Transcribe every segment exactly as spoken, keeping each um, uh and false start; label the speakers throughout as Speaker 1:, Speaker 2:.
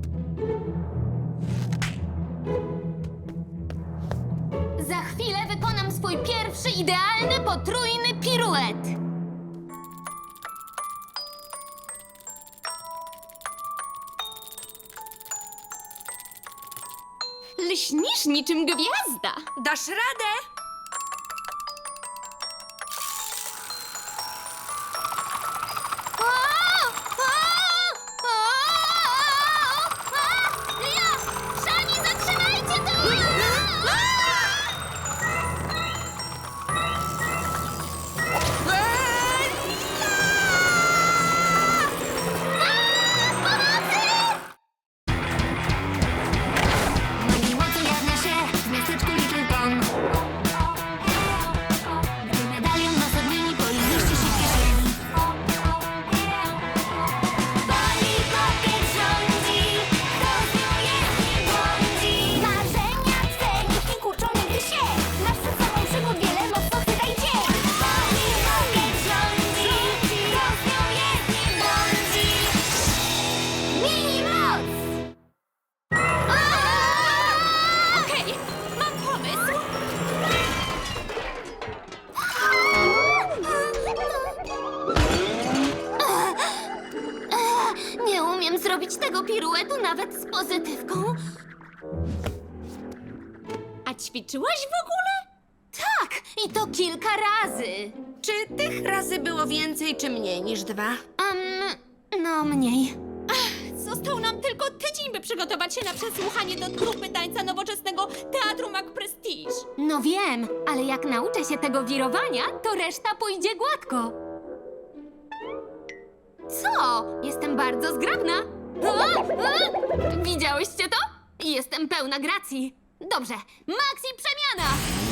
Speaker 1: Za chwilę wykonam swój pierwszy idealny potrójny piruet. Lśnisz niczym gwiazda.
Speaker 2: Dasz radę?
Speaker 1: O! O! O! O! Ja! Szani, zatrzymajcie to!
Speaker 3: Mojej mocy jawnia się w miasteczku Little Town. Gdy medalion was odmieni, Polly mieści się w kieszeni. Polly Pocket rządzi, kto z nią jest nie błądzi. Marzenia twe nikt nie kurczą nigdy się. Masz przed sobą przygód wiele, mocno chwytaj cię. Polly Pocket rządzi, kto z nią jest nie błądzi. Mini moc!
Speaker 1: Okej, mam pomysł. Nie umiem zrobić tego piruetu nawet z pozytywką. A ćwiczyłaś w ogóle? Tak, i to kilka razy.
Speaker 2: Czy tych razy było więcej, czy mniej niż dwa?
Speaker 1: Um, no mniej.
Speaker 4: Został nam tylko tydzień, by przygotować się na przesłuchanie do trupy tańca nowoczesnego Teatru Mac Prestige.
Speaker 1: No wiem, ale jak nauczę się tego wirowania, to reszta pójdzie gładko. Co? Jestem bardzo zgrabna. A, a! Widziałyście to? Jestem pełna gracji. Dobrze, Maxi przemiana!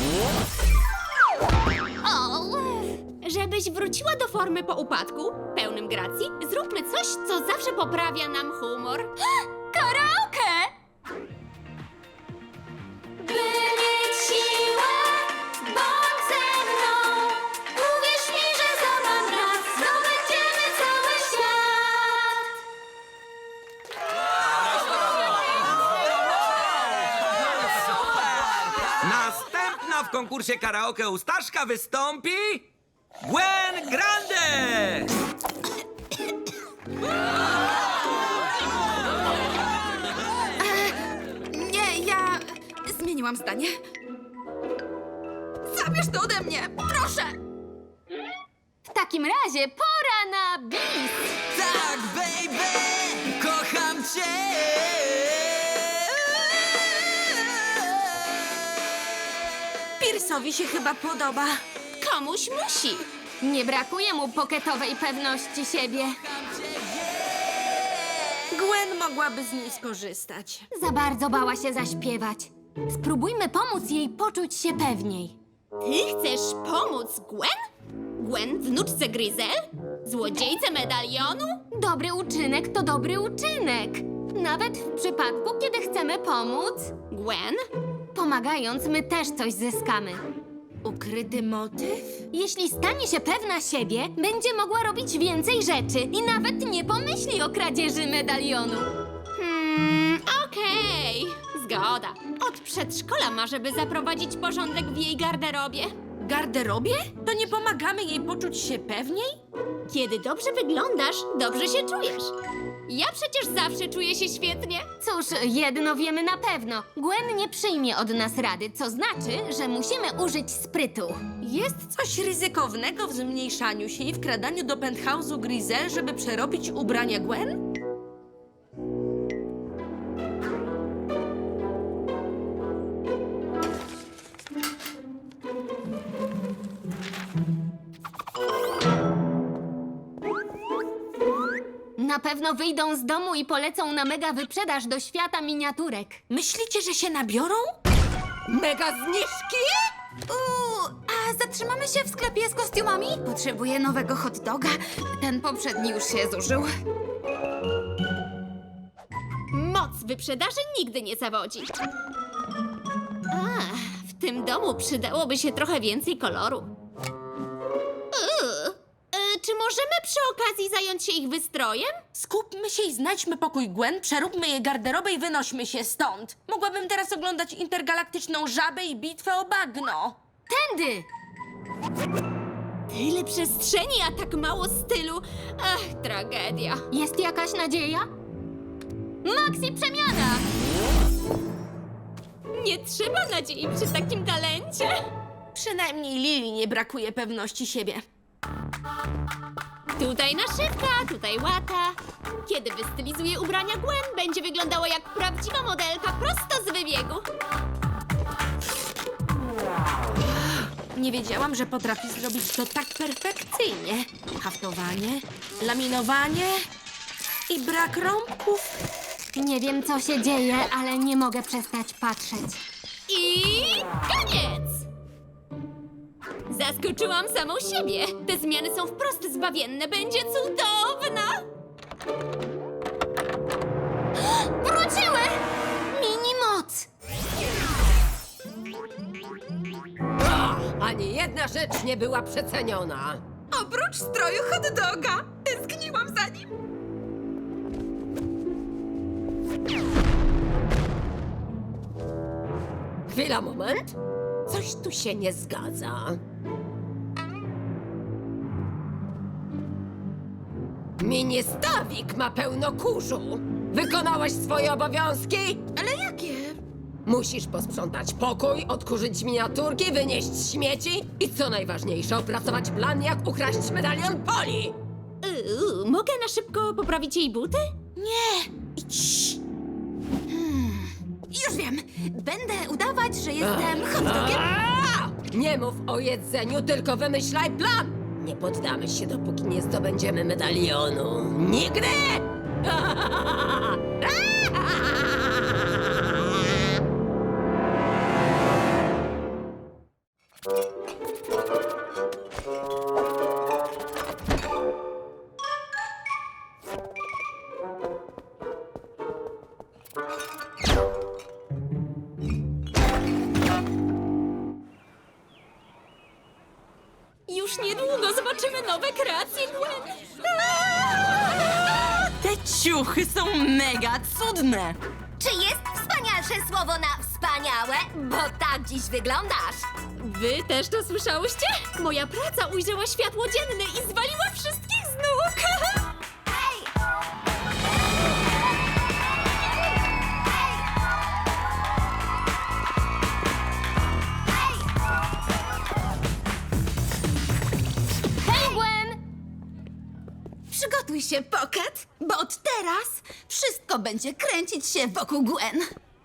Speaker 1: O,
Speaker 4: Żebyś wróciła do formy po upadku, pełnym gracji, zróbmy coś, co zawsze poprawia nam humor.
Speaker 1: karaoke!
Speaker 3: By mieć siłę, bądź ze mną. Uwierz mi, że za mam raz zdobędziemy cały świat.
Speaker 5: Następna w konkursie karaoke u Staszka wystąpi Gwen Grande!
Speaker 2: Nie, ja zmieniłam zdanie. Zabierz to ode mnie, proszę!
Speaker 1: W takim razie pora na bis!
Speaker 5: Tak, baby! Kocham cię!
Speaker 2: Pierce'owi się chyba podoba.
Speaker 4: Komuś musi.
Speaker 1: Nie brakuje mu poketowej pewności siebie.
Speaker 2: Gwen mogłaby z niej skorzystać.
Speaker 1: Za bardzo bała się zaśpiewać. Spróbujmy pomóc jej poczuć się pewniej.
Speaker 4: Ty chcesz pomóc Gwen? Gwen, wnuczce Gryzel? Złodziejce medalionu?
Speaker 1: Dobry uczynek to dobry uczynek. Nawet w przypadku, kiedy chcemy pomóc,
Speaker 4: Gwen?
Speaker 1: pomagając, my też coś zyskamy.
Speaker 2: Ukryty motyw?
Speaker 1: Jeśli stanie się pewna siebie, będzie mogła robić więcej rzeczy i nawet nie pomyśli o kradzieży medalionu.
Speaker 4: Hmm, okej. Zgoda. Od przedszkola ma, żeby zaprowadzić porządek w jej garderobie.
Speaker 2: Garderobie? To nie pomagamy jej poczuć się pewniej?
Speaker 4: Kiedy dobrze wyglądasz, dobrze się czujesz. Ja przecież zawsze czuję się świetnie.
Speaker 1: Cóż, jedno wiemy na pewno. Gwen nie przyjmie od nas rady, co znaczy, że musimy użyć sprytu.
Speaker 2: Jest coś ryzykownego w zmniejszaniu się i wkradaniu do penthouse'u Gryzel, żeby przerobić ubrania Gwen?
Speaker 1: Na pewno wyjdą z domu i polecą na mega wyprzedaż do świata miniaturek.
Speaker 2: Myślicie, że się nabiorą?
Speaker 4: Mega zniżki?
Speaker 1: Uuu, a zatrzymamy się w sklepie z kostiumami? Potrzebuję nowego hot doga. Ten poprzedni już się zużył.
Speaker 4: Moc wyprzedaży nigdy nie zawodzi. A, w tym domu przydałoby się trochę więcej koloru. Uuu, e, czy może możemy przy okazji zająć się ich wystrojem?
Speaker 2: Skupmy się i znajdźmy pokój Gwen, przeróbmy jej garderobę i wynośmy się stąd. Mogłabym teraz oglądać intergalaktyczną żabę i bitwę o bagno.
Speaker 1: Tędy!
Speaker 4: Tyle przestrzeni, a tak mało stylu. Ach, tragedia.
Speaker 1: Jest jakaś nadzieja? Maxi przemiana!
Speaker 4: Nie trzeba nadziei przy takim talencie.
Speaker 2: Przynajmniej Lili nie brakuje pewności siebie.
Speaker 4: Tutaj naszywka, tutaj łata. Kiedy wystylizuję ubrania Gwen, będzie wyglądała jak prawdziwa modelka prosto z wybiegu.
Speaker 2: Nie wiedziałam, że potrafi zrobić to tak perfekcyjnie. Haftowanie, laminowanie i brak rąbków.
Speaker 1: Nie wiem, co się dzieje, ale nie mogę przestać patrzeć.
Speaker 4: I koniec! Zaskoczyłam samą siebie. Te zmiany są wprost zbawienne. Będzie cudowna!
Speaker 1: Wróciły! Mini moc!
Speaker 6: Ani jedna rzecz nie była przeceniona.
Speaker 7: Oprócz stroju hot doga. Tęskniłam za nim.
Speaker 6: Chwila, moment. Coś tu się nie zgadza. Mini stawik ma pełno kurzu. Wykonałaś swoje obowiązki?
Speaker 7: Ale jakie?
Speaker 6: Musisz posprzątać pokój, odkurzyć miniaturki, wynieść śmieci i co najważniejsze, opracować plan, jak ukraść medalion Poli.
Speaker 4: Uuu, mogę na szybko poprawić jej buty?
Speaker 2: Nie! Idź!
Speaker 7: Już wiem. Będę udawać, że jestem hot dogiem.
Speaker 6: A! Nie mów o jedzeniu, tylko wymyślaj plan! Nie poddamy się, dopóki nie zdobędziemy medalionu. Nigdy!
Speaker 4: Już niedługo zobaczymy nowe kreacje Gwen.
Speaker 7: Te ciuchy są mega cudne.
Speaker 3: Czy jest wspanialsze słowo na wspaniałe? Bo tak dziś wyglądasz.
Speaker 4: Wy też to słyszałyście? Moja praca ujrzała światło dzienne i zwaliła wszystkich z nóg.
Speaker 3: Hej!
Speaker 1: Hej, Gwen!
Speaker 7: Przygotuj się, Pocket, bo od teraz wszystko będzie kręcić się wokół Gwen.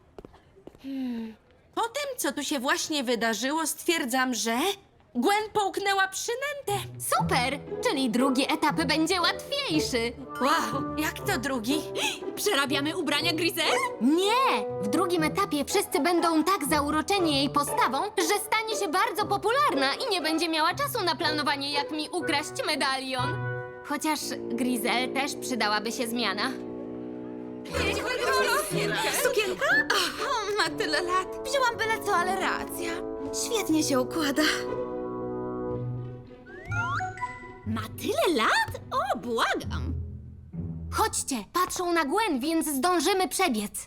Speaker 2: Po tym, co tu się właśnie wydarzyło, stwierdzam, że Gwen połknęła przynętę.
Speaker 1: Super! Czyli drugi etap będzie łatwiejszy.
Speaker 2: Wow, jak to drugi?
Speaker 4: Przerabiamy ubrania Grisel?
Speaker 1: Nie! W drugim etapie wszyscy będą tak zauroczeni jej postawą, że stanie się bardzo popularna i nie będzie miała czasu na planowanie, jak mi ukraść medalion. Chociaż Grisel też przydałaby się zmiana.
Speaker 7: Sukienka? O, ma tyle lat. Wzięłam byle co, ale racja. Świetnie się układa.
Speaker 4: Ma tyle lat? O, błagam.
Speaker 1: Chodźcie, patrzą na Gwen, więc zdążymy przebiec.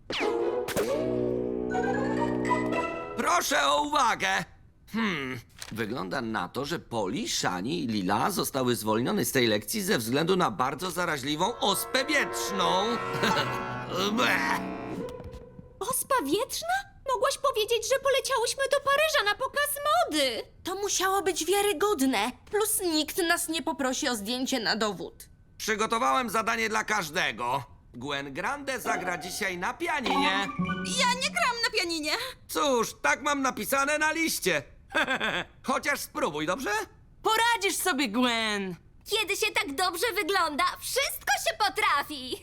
Speaker 5: Proszę o uwagę. Hmm, wygląda na to, że Poli, Shani i Lila zostały zwolnione z tej lekcji ze względu na bardzo zaraźliwą ospę wietrzną. Bleh.
Speaker 4: Ospa wietrzna? Mogłaś powiedzieć, że poleciałyśmy do Paryża na pokaz mody.
Speaker 2: To musiało być wiarygodne. Plus nikt nas nie poprosi o zdjęcie na dowód.
Speaker 5: Przygotowałem zadanie dla każdego. Gwen Grande zagra dzisiaj na pianinie.
Speaker 7: Ja nie gram na pianinie.
Speaker 5: Cóż, tak mam napisane na liście. Chociaż spróbuj, dobrze?
Speaker 7: Poradzisz sobie, Gwen.
Speaker 3: Kiedy się tak dobrze wygląda, wszystko się potrafi.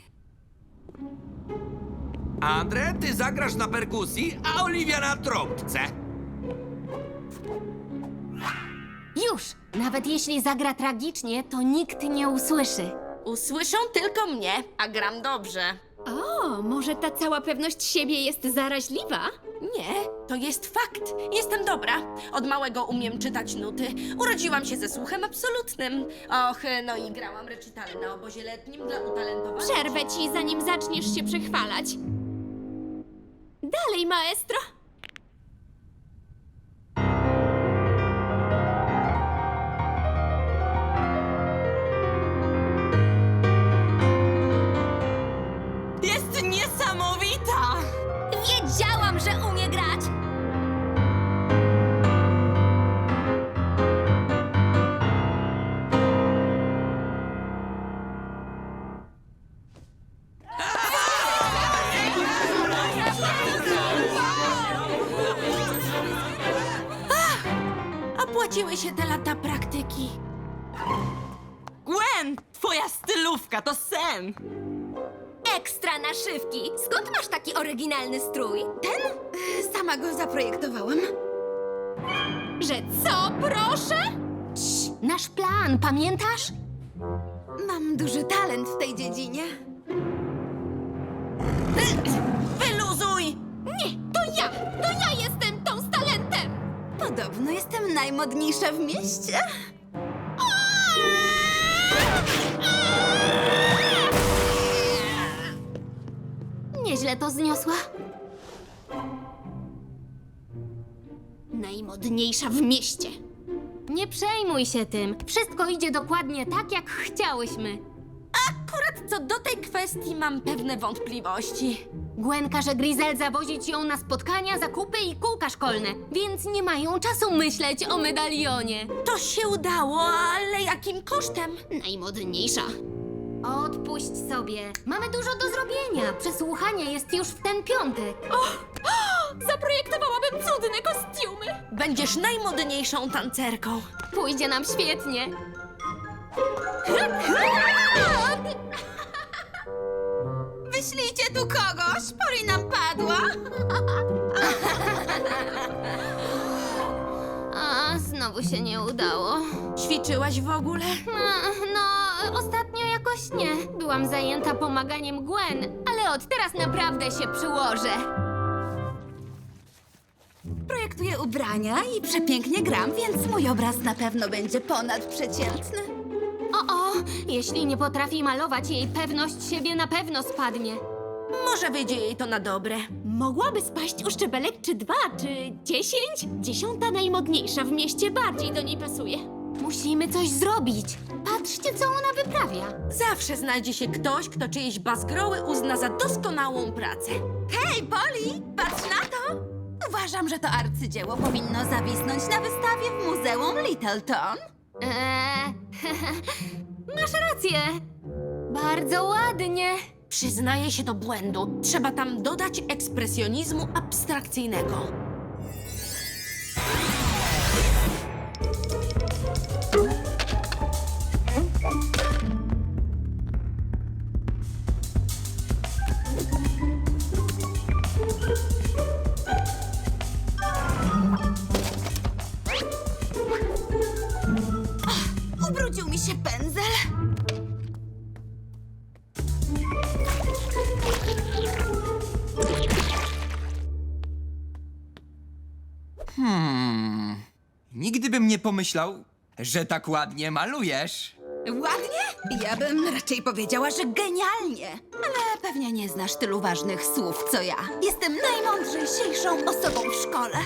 Speaker 5: Andre, ty zagrasz na perkusji, a Oliwia na trąbce.
Speaker 1: Już! Nawet jeśli zagra tragicznie, to nikt nie usłyszy.
Speaker 2: Usłyszą tylko mnie, a gram dobrze.
Speaker 4: O, może ta cała pewność siebie jest zaraźliwa?
Speaker 2: Nie, to jest fakt. Jestem dobra. Od małego umiem czytać nuty. Urodziłam się ze słuchem absolutnym. Och, no i grałam recitale na obozie letnim dla utalentowanych.
Speaker 4: Przerwę ci, zanim zaczniesz się przechwalać. Dalej, maestro.
Speaker 7: Jest niesamowita!
Speaker 3: Wiedziałam, że umie grać!
Speaker 2: Opłaciły się te lata praktyki.
Speaker 7: Gwen, twoja stylówka to sen!
Speaker 3: Ekstra naszywki! Skąd masz taki oryginalny strój? Ten? Sama go zaprojektowałam.
Speaker 4: Że co, proszę?
Speaker 1: Nasz plan, pamiętasz?
Speaker 7: Mam duży talent w tej dziedzinie.
Speaker 2: Wyluzuj!
Speaker 4: Nie, to ja! To ja jestem tą z talentem!
Speaker 7: Podobno jestem najmodniejsza w mieście.
Speaker 1: Nieźle to zniosła.
Speaker 4: Najmodniejsza w mieście.
Speaker 1: Nie przejmuj się tym. Wszystko idzie dokładnie tak, jak chciałyśmy.
Speaker 2: Akurat co do tej kwestii mam pewne wątpliwości.
Speaker 1: Gwen każe Grizel zawozić ją na spotkania, zakupy i kółka szkolne, więc nie mają czasu myśleć o medalionie.
Speaker 2: To się udało, ale jakim kosztem?
Speaker 4: Najmodniejsza.
Speaker 1: Odpuść sobie. Mamy dużo do zrobienia. Przesłuchanie jest już w ten piątek.
Speaker 4: Zaprojektowałabym cudne kostiumy!
Speaker 2: Będziesz najmodniejszą tancerką.
Speaker 1: Pójdzie nam świetnie.
Speaker 7: Wyślijcie tu kogoś, Pori nam padła.
Speaker 1: A, znowu się nie udało.
Speaker 2: Ćwiczyłaś w ogóle?
Speaker 1: A, no, ostatnio jakoś nie. Byłam zajęta pomaganiem Gwen, ale od teraz naprawdę się przyłożę.
Speaker 7: Projektuję ubrania i przepięknie gram, więc mój obraz na pewno będzie ponadprzeciętny.
Speaker 1: O, o, jeśli nie potrafi malować, jej pewność siebie na pewno spadnie.
Speaker 2: Może wyjdzie jej to na dobre.
Speaker 4: Mogłaby spaść o szczebelek czy dwa, czy dziesięć? Dziesiąta najmodniejsza w mieście bardziej do niej pasuje.
Speaker 1: Musimy coś zrobić. Patrzcie, co ona wyprawia.
Speaker 2: Zawsze znajdzie się ktoś, kto czyjeś bazgroły uzna za doskonałą pracę.
Speaker 7: Hej, Poli, patrz na to! Uważam, że to arcydzieło powinno zawisnąć na wystawie w Muzeum Littleton.
Speaker 1: Eee, masz rację. Bardzo ładnie.
Speaker 2: Przyznaję się do błędu. Trzeba tam dodać ekspresjonizmu abstrakcyjnego.
Speaker 7: Ubrudził mi się pędzel.
Speaker 8: Nigdy bym nie pomyślał, że tak ładnie malujesz.
Speaker 7: Ładnie? Ja bym raczej powiedziała, że genialnie. Ale pewnie nie znasz tylu ważnych słów, co ja. Jestem najmądrzejszą osobą w szkole.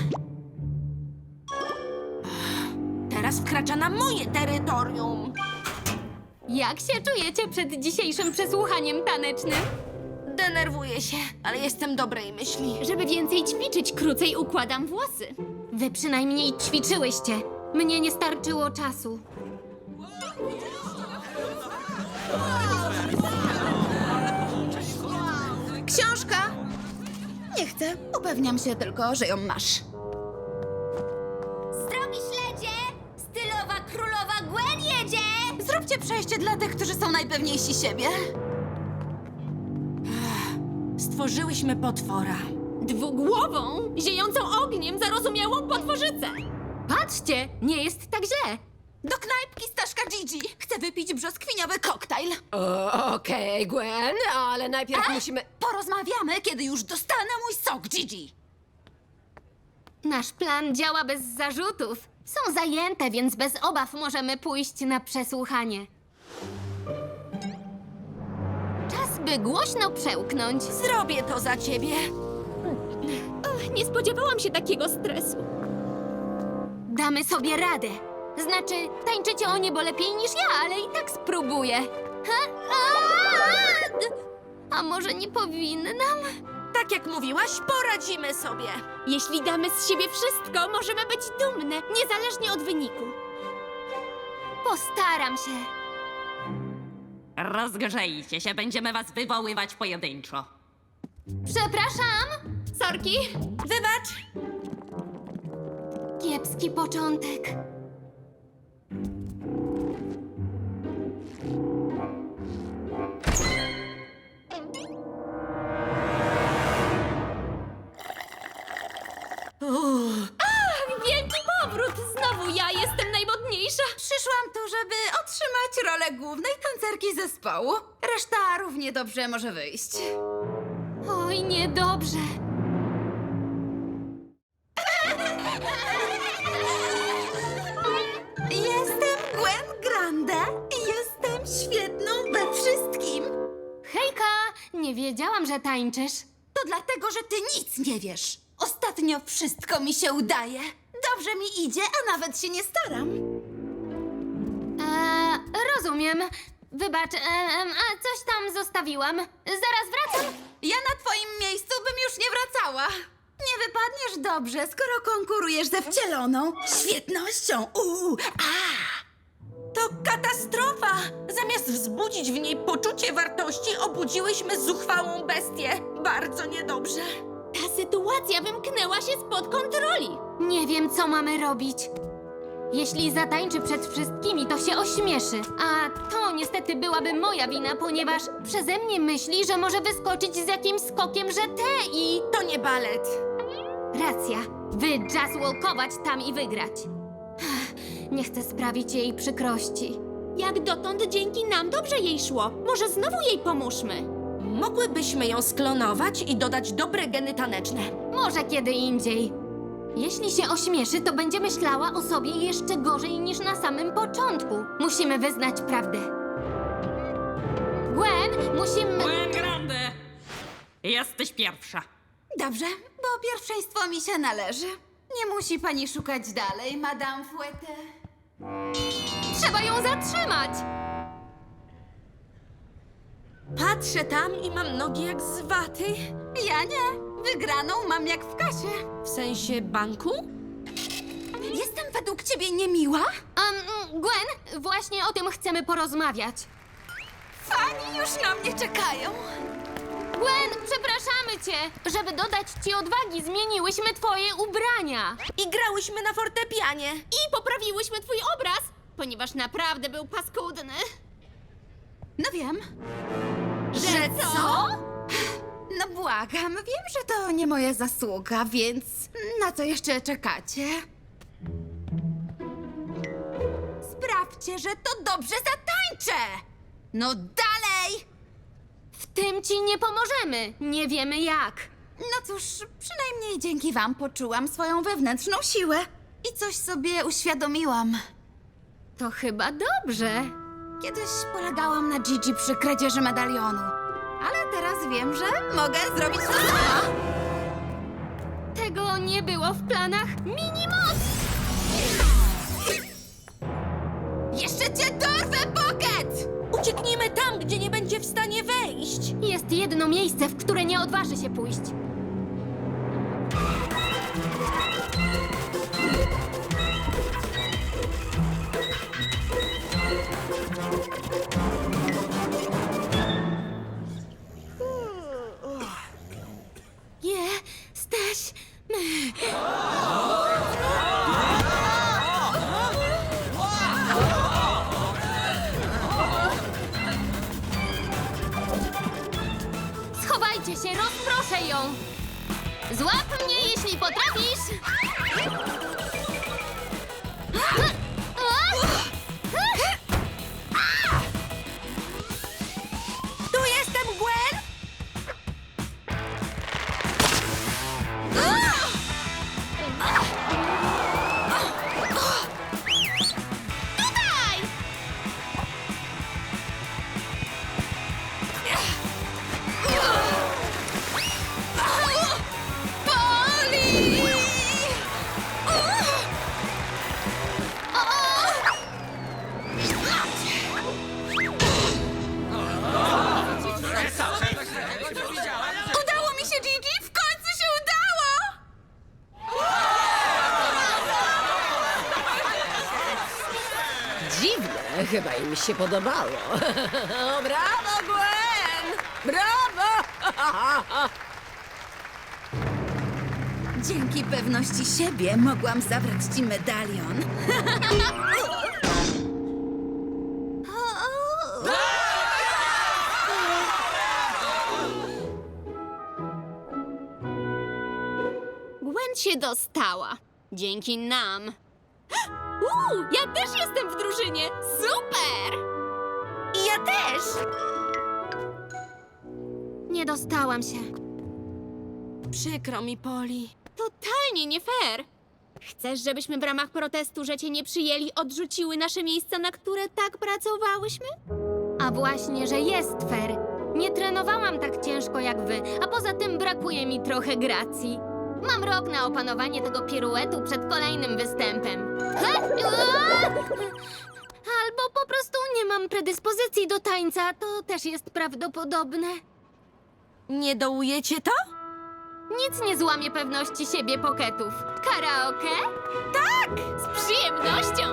Speaker 2: Teraz wkracza na moje terytorium.
Speaker 1: Jak się czujecie przed dzisiejszym przesłuchaniem tanecznym?
Speaker 2: Denerwuję się, ale jestem dobrej myśli.
Speaker 4: Żeby więcej ćwiczyć, krócej układam włosy.
Speaker 1: Wy przynajmniej ćwiczyłyście. Mnie nie starczyło czasu.
Speaker 7: Książka? Nie chcę. Upewniam się tylko, że ją masz.
Speaker 3: Zdrowi śledzie! Stylowa królowa Gwen jedzie!
Speaker 7: Zróbcie przejście dla tych, którzy są najpewniejsi siebie.
Speaker 2: Stworzyłyśmy potwora.
Speaker 4: Dwugłową, ziejącą ogniem, zarozumiałą potworzycę.
Speaker 1: Patrzcie, nie jest tak źle.
Speaker 7: Do knajpki Staszka Gigi. Chcę wypić brzoskwiniowy koktajl.
Speaker 6: O, Okej, Gwen, ale najpierw musimy...
Speaker 7: Porozmawiamy, kiedy już dostanę mój sok, Gigi.
Speaker 1: Nasz plan działa bez zarzutów. Są zajęte, więc bez obaw możemy pójść na przesłuchanie. Czas, by głośno przełknąć.
Speaker 2: Zrobię to za ciebie.
Speaker 4: Ach, nie spodziewałam się takiego stresu.
Speaker 1: Damy sobie radę. Znaczy, tańczycie o niebo lepiej niż ja, ale i tak spróbuję. Ha? A, a może nie powinnam?
Speaker 2: Tak jak mówiłaś, poradzimy sobie.
Speaker 4: Jeśli damy z siebie wszystko, możemy być dumne, niezależnie od wyniku.
Speaker 1: Postaram się.
Speaker 9: Rozgrzejcie się, będziemy was wywoływać pojedynczo.
Speaker 1: Przepraszam.
Speaker 4: Sorki?
Speaker 2: Wybacz.
Speaker 1: Kiepski początek.
Speaker 4: Wielki powrót! Znowu ja jestem najmodniejsza!
Speaker 7: Przyszłam tu, żeby otrzymać rolę głównej tancerki zespołu. Reszta równie dobrze może wyjść.
Speaker 1: Oj, niedobrze.
Speaker 7: Jestem Gwen Grande i jestem świetną we wszystkim.
Speaker 1: Hejka, nie wiedziałam, że tańczysz.
Speaker 7: To dlatego, że ty nic nie wiesz. Ostatnio wszystko mi się udaje. Dobrze mi idzie, a nawet się nie staram.
Speaker 1: Eee, rozumiem. Wybacz, em, a coś tam zostawiłam. Zaraz wracam.
Speaker 7: Ja na twoim miejscu bym już nie wracała. Nie wypadniesz dobrze, skoro konkurujesz ze wcieloną świetnością. Uuu, a!
Speaker 2: To katastrofa! Zamiast wzbudzić w niej poczucie wartości, obudziłyśmy zuchwałą bestię. Bardzo niedobrze.
Speaker 4: Ta sytuacja wymknęła się spod kontroli.
Speaker 1: Nie wiem, co mamy robić. Jeśli zatańczy przed wszystkimi, to się ośmieszy. A to niestety byłaby moja wina, ponieważ przeze mnie myśli, że może wyskoczyć z jakimś skokiem, że te i...
Speaker 2: To nie balet.
Speaker 1: Racja. Wy jazz walkować tam i wygrać. Nie chcę sprawić jej przykrości.
Speaker 4: Jak dotąd dzięki nam dobrze jej szło. Może znowu jej pomóżmy.
Speaker 2: Mogłybyśmy ją sklonować i dodać dobre geny taneczne.
Speaker 1: Może kiedy indziej. Jeśli się ośmieszy, to będzie myślała o sobie jeszcze gorzej niż na samym początku. Musimy wyznać prawdę. Gwen, musimy...
Speaker 9: Gwen Grande! Jesteś pierwsza.
Speaker 7: Dobrze, bo pierwszeństwo mi się należy. Nie musi pani szukać dalej, Madame Fouette.
Speaker 1: Trzeba ją zatrzymać!
Speaker 2: Patrzę tam i mam nogi jak z waty.
Speaker 7: Ja nie. Wygraną mam jak w kasie.
Speaker 2: W sensie banku?
Speaker 7: Jestem według ciebie niemiła?
Speaker 1: Um, Gwen, właśnie o tym chcemy porozmawiać.
Speaker 7: Fani już na mnie czekają.
Speaker 1: Gwen, przepraszamy cię! Żeby dodać ci odwagi, zmieniłyśmy twoje ubrania.
Speaker 2: I grałyśmy na fortepianie.
Speaker 4: I poprawiłyśmy twój obraz, ponieważ naprawdę był paskudny.
Speaker 7: No wiem.
Speaker 2: Że co?
Speaker 7: No błagam, wiem, że to nie moja zasługa, więc na co jeszcze czekacie? Sprawdźcie, że to dobrze zatańczę! No dalej!
Speaker 1: W tym ci nie pomożemy. Nie wiemy jak.
Speaker 7: No cóż, przynajmniej dzięki wam poczułam swoją wewnętrzną siłę i coś sobie uświadomiłam.
Speaker 1: To chyba dobrze.
Speaker 7: Kiedyś polegałam na Gigi przy kradzieży medalionu, ale teraz wiem, że mogę zrobić to sama.
Speaker 1: Tego nie było w planach Minimoc!
Speaker 7: Jeszcze cię dorwę, Pocket!
Speaker 2: Ucieknijmy tam, gdzie nie będzie w stanie wejść.
Speaker 1: Jest jedno miejsce, w które nie odważy się pójść. Jesteśmy. Schowajcie się, rozproszę ją. Złap mnie, jeśli potrafisz.
Speaker 6: Chyba im się podobało. Brawo, Gwen! Brawo!
Speaker 7: Dzięki pewności siebie mogłam zabrać ci medalion.
Speaker 4: Gwen się dostała. Dzięki nam. Uuu, ja też jestem w drużynie. Super!
Speaker 7: I ja też!
Speaker 1: Nie dostałam się.
Speaker 2: Przykro mi, Poli.
Speaker 4: Totalnie nie fair. Chcesz, żebyśmy w ramach protestu, że cię nie przyjęli, odrzuciły nasze miejsca, na które tak pracowałyśmy?
Speaker 1: A właśnie, że jest fair. Nie trenowałam tak ciężko jak wy, a poza tym brakuje mi trochę gracji. Mam rok na opanowanie tego piruetu przed kolejnym występem. Ha! Ua! Albo po prostu nie mam predyspozycji do tańca, to też jest prawdopodobne.
Speaker 2: Nie dołujecie to?
Speaker 1: Nic nie złamie pewności siebie poketów. Karaoke?
Speaker 4: Z przyjemnością!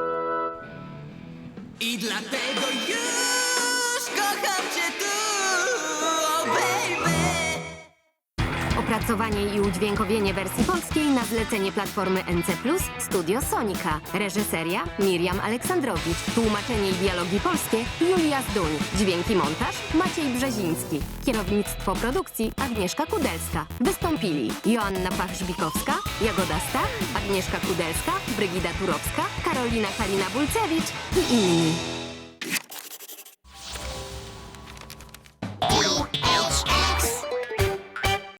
Speaker 8: I dlatego już kocham cię tu, oh baby.
Speaker 1: Opracowanie i udźwiękowienie wersji polskiej na zlecenie platformy N C plus, Studio Sonika. Reżyseria Miriam Aleksandrowicz. Tłumaczenie i dialogi polskie Julia Zduń. Dźwięki montaż Maciej Brzeziński. Kierownictwo produkcji Agnieszka Kudelska. Wystąpili Joanna Pach-Żbikowska, Jagoda Stach, Agnieszka Kudelska, Brygida Turowska, Karolina Kalina-Bulcewicz i inni.